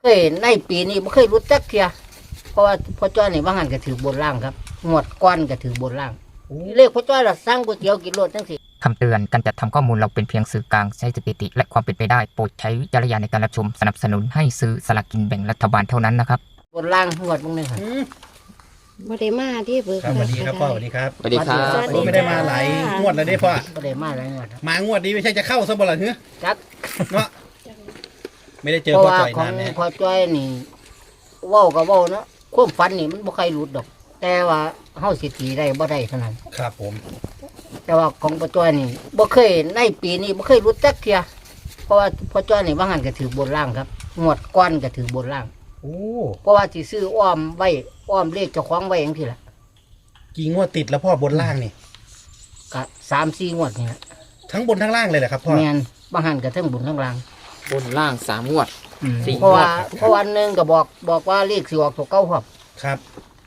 เคยในปีนี้ไม่เคยรู้จักเทียเพราะว่าพ่อจ้อยนี่บางหันก็ถือบนล่างครับงวดก้อนก็ถือบนล่างเลขพ่อจ้อยเราสร้างก๋วยเตี๋ยวกินรถทั้งสิคำเตือนการจัดทำข้อมูลเราเป็นเพียงสื่อกลางใช้สถิติและความเป็นไปได้โปรดใช้วิจารณญาณในการรับชมสนับสนุนให้ซื้อสลากกินแบ่งรัฐบาลเท่านั้นนะครับบนล่างงวดมึงนี่ครับบ่ได้มาที่เบิกครับสวัสดีครับพ่อสวัสดีครับสวัสดีครับผมไม่ได้มาหลายงวดแล้วได้พ่อก็ได้มาหลายงวดครับมางวดนี้ไม่ใช่จะเข้าซะบ่ล่ะเฮ้ยจักเนาะไม่ได้เจอเพราะพ่อว่าจ่อยของนานเนี่ยพ่อจ้อยนี่เว้าก็เว้าเนาะความฝันนี่มันบ่ใครรู้ดอก แต่ว่าเฮาสิตีได้บ่ได้เท่านั้นครับผมแต่ว่าของพ่อจ้อยนี่บ่เคยในปีนี้บ่เคยรู้จักเทียเพราะว่าพ่อจ้อยนี่บางหันก็ถือบนล่างครับงวดก้อนก็ถือบนล่างโอ้เพราะว่าสิซื้ออ้อมไว้อ้อมเลขเจ้าของไว้อย่างที่ละกี่งวดติดแล้วพ่อบนล่างนี่ก็3-4งวดนี่ละทั้งบนทั้งล่างเลยแหละครับพ่อแม่นบางหันก็เทั้งบนทั้งล่างบนล่าง3 งวด 4 เพราะว่างวดเพราะวันหนึงก็บอกว่าเลขสิออกตัวเก่าครับครับ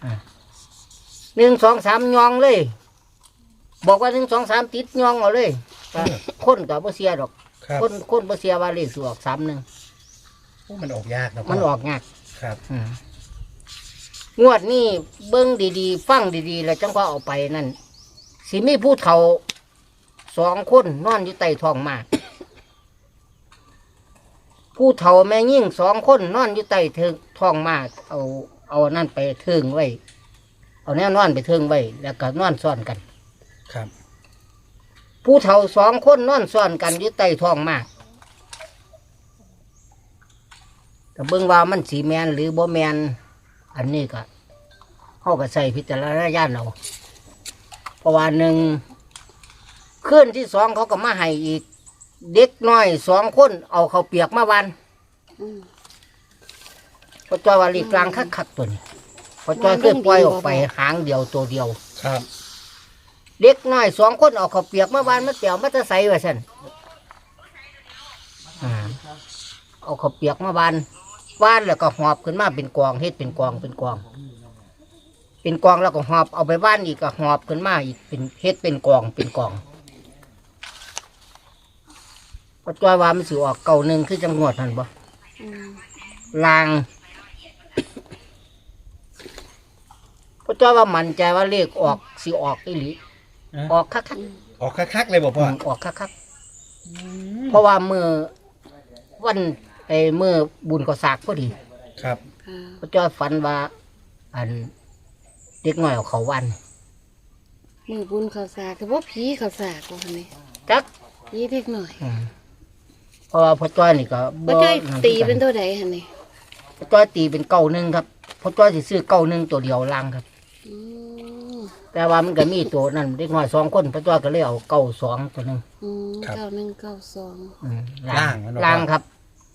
1 2 3ยองเลย บอกว่า1 2 3ติดยองเอาเลยก็คนก็บ่เสียดอกครับคนบ่เสียว่าเลขสิออก31 โอ้มันออกยากนะพ่อมันออกยากครับงวดนี้เบิ่งดีๆฟังดีๆแล้วจังว่าเอาไปนั่นสิมีผู้เฒ่า2 คนนอนอยู่ใต้ท้องหมากผู้เฒ่าแม่ยิ่ง2 คนนอนอยู่ใต้ท้องหมากเอานั่นไปเทิงไว้เอาแนวนอนไปเทิงไว้แล้วก็นอนซ้อนกันครับผู้เฒ่า2 คนนอนซ้อนกันอยู่ใต้ท้องหมากก็เบิ่งว่ามันสีแมนหรือบ่แมนอันนี้ก็เขาก็ใส่พิจารณญาณเอาเพราะว่า1คืนที่2เขาก็มาให้อีกเด็กน้อย2 คนเอาข้าวเปียกมาวันพอจอยว่าลีกลางคักๆตัวนี้พอจอยเคยปล่อยออกไปหางเดียวตัวเดียวครับเด็กน้อย2 คนเอาข้าวเปียกมาวันมาเตียวมาจะใส่ไว้ซั่นเอาข้าวเปียกมาวันแล้วก็หอบขึ้นมาเป็นกองเฮ็ดเป็นกองเป็นกองแล้วก็หอบเอาไปบ้านอีกก็หอบขึ้นมาอีกเป็นเฮ็ดเป็นกองก็จอยว่ามันสิออก91คือจังหวัดนั่นบ่ลางก็จอยว่ามันใจว่าเลขออกสิออกอีหลีออกคักออกคักๆเลยบอกพ่อออกคักเพราะว่ามือวันมือบุญก็สากพอดีครับก็จอยฝันว่าอันเด็กน้อยเอาเขาวันมือบุญข้าวสากแต่ว่าผีข้าวสากว่าหั่นนี่จักผีเล็กหน่อยเพราะว่าพ่อจ้อยนี่ก็บ่จ้อยตีเป็นตัวใดหั่นนี่พ่อจ้อยตีเป็น91ครับพ่อจ้อยสิซื้อ91ตัวเดียวล่างครับอืมแต่ว่ามันก็มีตัวนั่นเด็กน้อย2 คนพ่อจ้อยก็เลยเอา92ตัวหนึง 9192 ล่างครับ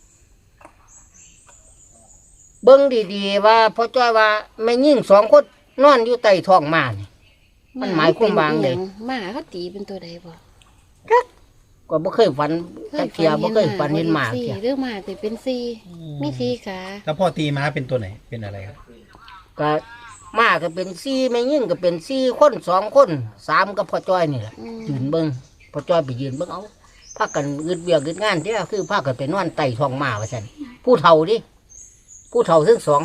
เบิ่งดีๆว่าพ่อจ้อยว่าแม่ยิ่ง2 คนนอนอยู่ใต้ท้องหมานี่ มันหมายความว่าไงหมาเขาตีเป็นตัวใดบ่ก็บ่เคยฝันจักเที่ยบ่เคยฝันเห็นหมาสี่เที่ยเรื่องหมาแต่เป็นสี่มีสี่ขาแล้วพ่อตีม้าเป็นตัวไหนเป็นอะไรครับก็หมาก็เป็น4แม่ยิ่งก็เป็น4 คน2 คน3กับพ่อจ้อยนี่แหละยืนเบิ่งพ่อจ้อยไปยืนเบิ่งเอาพากันอึดเวียกอึดงานเด้อคือพากันไปนอนใต้ท้องหมาว่าซั่นผู้เฒ่าดิผู้เฒ่าทั้ง2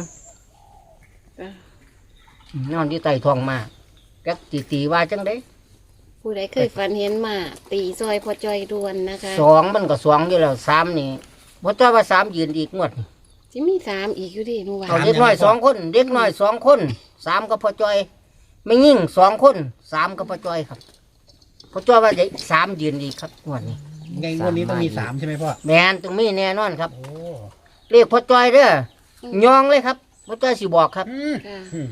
นอนอยู่ใต้ท้องหมาจักตีว่าจังได๋ผู้ใดเคยฝันเห็นหมาตีซอยพอจอยดวนนะคะ 2มันก็2อยู่แล้ว3นี่พ่อจ้อยว่า3ยืนอีกงวดนี่สิมีสามอีกอยู่ดิเมื่อวานเอาเด็กน้อย2 คนเด็กน้อย2 คน3กับพ่อจ้อยไม่ยิ่ง2 คน3กับพ่อจ้อยครับพ่อจ้อยว่าจะ3ยืนอีกครับงวดนี้ไงงวดนี้ต้องมี3ใช่ไหมพ่อแม่นต้องมีแน่นอนครับโอ้เรียกพ่อจ้อยเด้อยองเลยครับพ่อจ้อยสิบอกครับค่ะ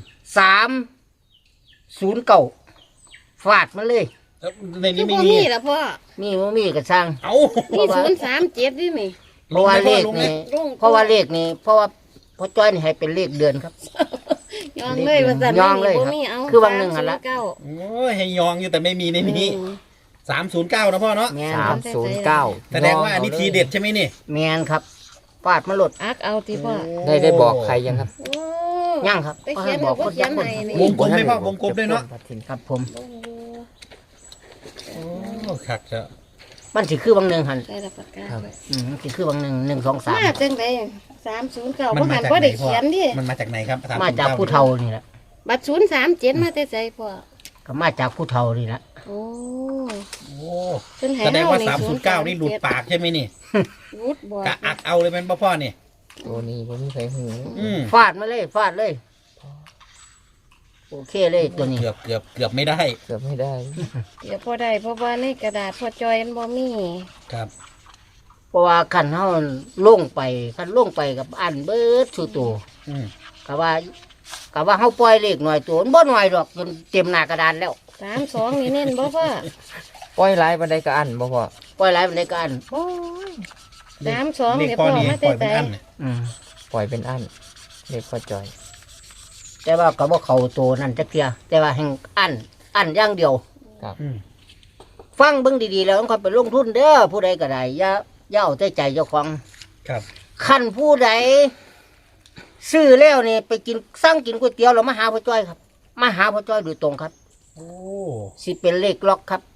309ฟาดมันเลยแล้วในคืนี้อไม่บ่มีมีล่ะพ่อมีบ่มีก็ช่างเอ้ามี037ดินี่เพราะว่าเลขนี่ลงเพราะว่าเลขนี่เพราะว่าพ่อจ้อยนี่ให้เป็นเลขเดือนครับยองเลยว่าซั่นยองเลยครับบ่มีเอาคือวันหนึ่งหั่นละ 309 โอ้ยให้ยองอยู่แต่ไม่มีในนี้อืม 309นะพ่อเนาะแม่นครับ 309 แสดงว่าอันนี้ทีเด็ดใช่ไหมนี่แม่นครับฟาดมันหลดอักเอาติพ่อได้บอกใครยังครับโอ้ย่างครับไปเขียนบอกบ่คนเขียยันกษ์คนให้นี่วงกลมไหมพ่อวงกลมด้วยเนาะครับผมโอ้คักจะมันสิคือบางหนึ่งหันใส่ละปากกาไว้มันสิคือบางหนึ่ง1 2 3 มาจังได309 มับ่นหัมาน จากบ่ไหนได้พ่อเขียนดิมันมาจากไหนครับมาจากผู้เฒ่านี่แหละบัตร037มาแต่ไสพ่อก็มาจากผู้เฒ่านี่แหละโอ้โอ้เพิ่นให้แสดงว่าเฮ 309นี่หลุดปากใช่ไหมนี่รุดบ่กะอักเอาเลยเป็นพ่อนี่ตัวนี้ผมมีใครหูอืมฟาดมาเลยฟาดเลยโอเคเลยตัวนี้เกือบไม่ได้เกือบไม่ได้เดี๋ยวพอได้เพราะว่าในกระดาษพอจอยมันบ่มีครับเพราะว่าคันเฮาลงไปคันลงไปกับอันเบิดสู่ตัวอืมก็ว่าเฮาปล่อยเลขหน่อยตัวมันบ่หน่อยดอกจนเต็มหน้ากระดานแล้ว 32นี่เน้นบ่พ่อปล่อยหลายบันไดก็อันบ่พอปล่อยหลายปานใดก็อันโอ้ย32 เลขเดี๋ยวพ่อพ่อนี่มาปล่แต่อยไสเป็นอันเนี่ยอืมปล่อยเป็นอันเด็กพ่อจอยแต่ว่าก็บ่เข้าตัวนั่นจักเที่ยแต่ว่าแห่งอันอย่างเดียวอืมฟังเบิ่งดีๆแล้วต้องไปลงทุนเด้อผู้ใดก็ได้อย่าเอาแต่ใจเจ้าของครับคันผู้ใดซื้อแล้วนี่ไปกินสั่งกินก๋วยเตี๋ยวแล้วมาหาพ่อจ้อยครับมาหาพ่อจ้อยโดยตรงครับโอ้สิเป็นเลขล็อกครับ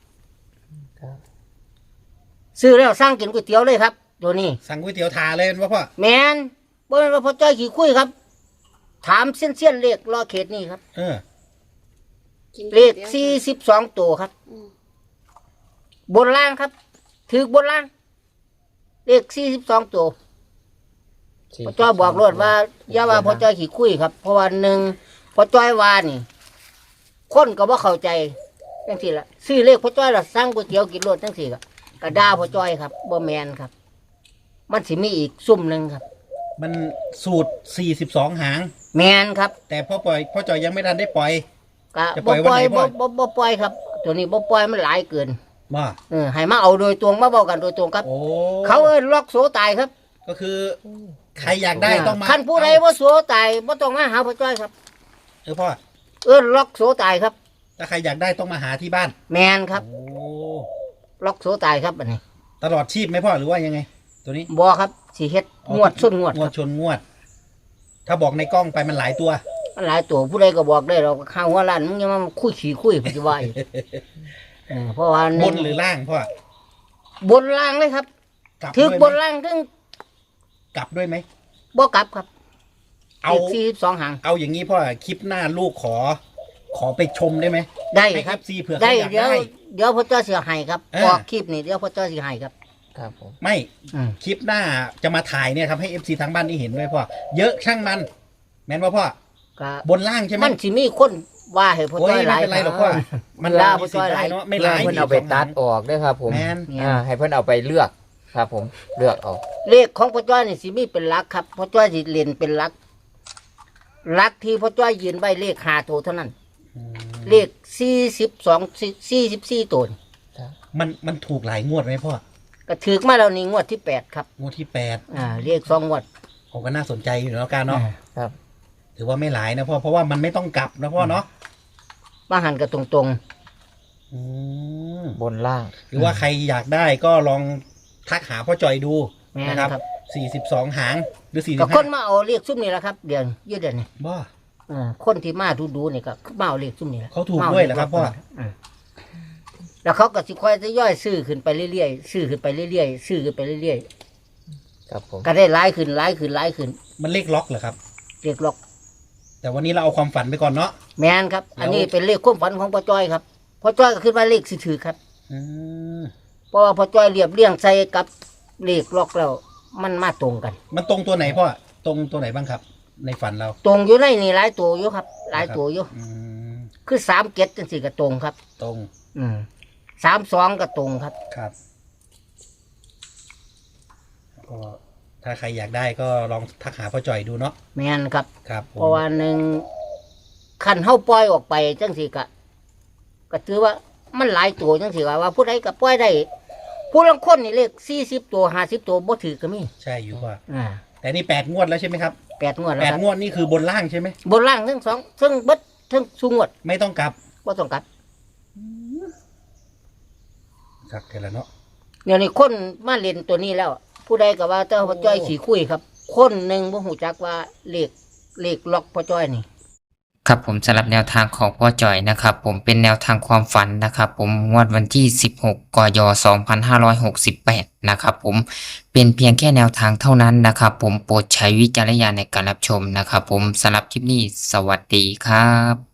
ซื้อแล้วสั่งกินก๋วยเตี๋ยวเลยครับตัวนี้สั่งก๋วยเตี๋ยวทาเลยเป็นพ่อแมนบ่แม่นว่าพ่อจ้อยขี้คุยครับ ถามเส้นเลขรอเขตนี่ครับเออกินเลขดี๋ยว 42ตัวครับอืมบนล่างครับถือบนล่าง เลข42ตัวพ่อจ้อยบอกรวดว่าอย่าว่าพ่อจ้อยขี้คุยครับ เพราะว่าหนึ่งพ่อจ้อยว่านี่ คนก็บ่เข้าใจจังซี่ล่ะซื้อเลขพ่อจ้อยล่ะสั่งก๋วยเตี๋ยวกินรถจังซี่ก็ด่าพ่อจ้อยครับบ่แม่นครับ มันสิมีอีกซุ่มหนึงครับมันสูตร42หางแม่นครับแต่พ่อจอยยังไม่ทันได้ปล่อยก็จะปล่บ่อยปวันล่อยไหนพ่อบ่ปล่อยครับ ตัวนี้บ่ปล่อยมันหลายเกินว่าให้มาเอาโดยตรงมาเว้ากันโดยตรงครับโอ้เขาเอิ้นล็อกโสตายครับก็คือ ใครอยากได้ต้องมาคันผู้ใดบ่โสตายบ่ต้องมาหาพ่อจ้อยครับพ่อเอิ้นล็อกโสตายครับถ้าใครอยากได้ต้องมาหาที่บ้านแม่นครับโอ้ล็อกโสตายครับอันนี้ตลอดชีพไหมพ่อหรือว่ายังไง ตัวนี้บ่ครับสิเฮ็ดงวดส้นงวดงวดชนงวด ถ้าบอกในกล้องไปมันหลายตัวมันหลายตัวผู้ใดก็บอกได้เราข้าวหัวล้านมึงอย่ามาคุยขี้คุยปัจจุบันเพราะว่าบนหรือล่างพ่อบนล่างเลยครับกลับถึด้กวยบไหมนล่างถึงกลับด้วยไหมบ่กลับครับเอา 42หางเอาอย่างนี้พ่อคลิปหน้าลูกขอไปชมได้ไหมได้ให้ครับ FC เผื่อได้เขาอยากเดี๋ยวได้พ่อจ้อยสิให้ครับเออออกคลิปนี่เดี๋ยวพ่อจ้อยสิให้ครับครับผมไม่อืมคลิปหน้าจะมาถ่ายเนี่ยทำให้ FC ทางบ้านได้เห็นด้วยพ่อเยอะช่างมัน แม่นว่าพ่อก็บนล่างใช่ไหมมันสิมีคนว่าให้พ่อโอ้ยจ้อยหไม่ลายเป็นไรหรอกพ่อมันลาลาพ่อสิจ้อยหได้ลายเนาะไม่เพื่ร้าอย เพิ่นเอาไปตัดออกด้วยครับผมแมนให้เพิ่นเอาไปเลือกครับผมเลือกเอาเลขของพ่อจ้อยนี่สิมีเป็นหลักครับพ่อจ้อยสิเล่นเป็นหลักหลักที่พ่อจ้อยยืนไว้เลข5ตัวเท่านั้น เลข44ตัวนี่มันถูกหลายงวดไหมพ่อก็ถือมาแล้วนี่งวดที่8ครับงวดที่เลข2งวดผมก็น่าสนใจอยู่แล้วกันเนาะครับถือว่าไม่หลายนะพ่อเพราะว่ามันไม่ต้องกลับนะพ่อเนาะมาหันกันตรงอืมบนล่างหรือว่าใครอยากได้ก็ลองทักหาพ่อจอยดูๆแม่นนะครับครับ 42หางหรือก็คน 45 มาเอาเลขซุ่มนี่แหละครับเดือนยืดเดือนนี่บ่คนที่มาดูนี่ก็มาเอาเลขซุ่มนี่แหละเขาถูกด้วยเหรอครับพ่อแล้วเขาก็สิค่อยจะย่อยซื้อขึ้นไปเรื่อยๆซื้อขึ้นไปเรื่อยๆซื้อขึ้นไปเรื่อยครับผมๆก็ได้หลายขึ้นหลายขึ้นหลายขึ้นมันเลขล็อกเหรอครับเลขล็อกแต่วันนี้เราเอาความฝันไปก่อนเนาะแม่นครับ อันนี้เป็นเลขความฝันของพ่อจ้อยครับพ่อจ้อยก็ขึ้นมาเลขสิถือครับอืมเพราะว่าพ่อจ้อยเรียบเรียงใส่กับเลขล็อกแล้วมันมาตรงกันมันตรงตัวไหนพ่อตรงตัวไหนบ้างครับ ในฝันเราตรงอยู่ในนี่หลายตัวอยู่ครับ หลายตัวอยู่อืมคือ37จังซี่ก็ตรงครับตรง 32ก็ตรงครับครับก็ถ้าใครอยากได้ก็ลองทักหาพ่อจอยดูเนาะแม่นครับครับผมเพราะว่าหนึ่งคันเฮาปล่อยออกไปจังสิก็ถือว่ามันหลายตัวจังสิว่าผู้ใดก็ปล่อยได้ผู้ลางคนนี่เลข40ตัว50ตัวบ่ถือก็มีใช่อยู่ว่าอ่าแต่นี่8 งวดแล้วใช่ไหมครับ 8งวดแล้วแปดครับงวดนี่คือบนล่างใช่ไหมบนล่างทั้งสองทั้งเบิดทั้งสูงวดไม่ต้องกลับบ่ต้องกลับครับเทละเนาะเดี๋ยวนี้คนมาเล่นตัวนี้แล้ว ผู้ใดก็ว่าเจ้าพ่อจ้อยสีคุยครับ คนหนึงบ่ฮู้จักว่าเลขล็อกพ่อจ้อยนี่ครับผมสำหรับแนวทางของพ่อจ่อยนะครับผมเป็นแนวทางความฝันนะครับผมงวดวันที่ 16 กย 2568 นะครับผมเป็นเพียงแค่แนวทางเท่านั้นนะครับผมโปรดใช้วิจารณญาณในการรับชมนะครับผมสำหรับคลิปนี้สวัสดีครับ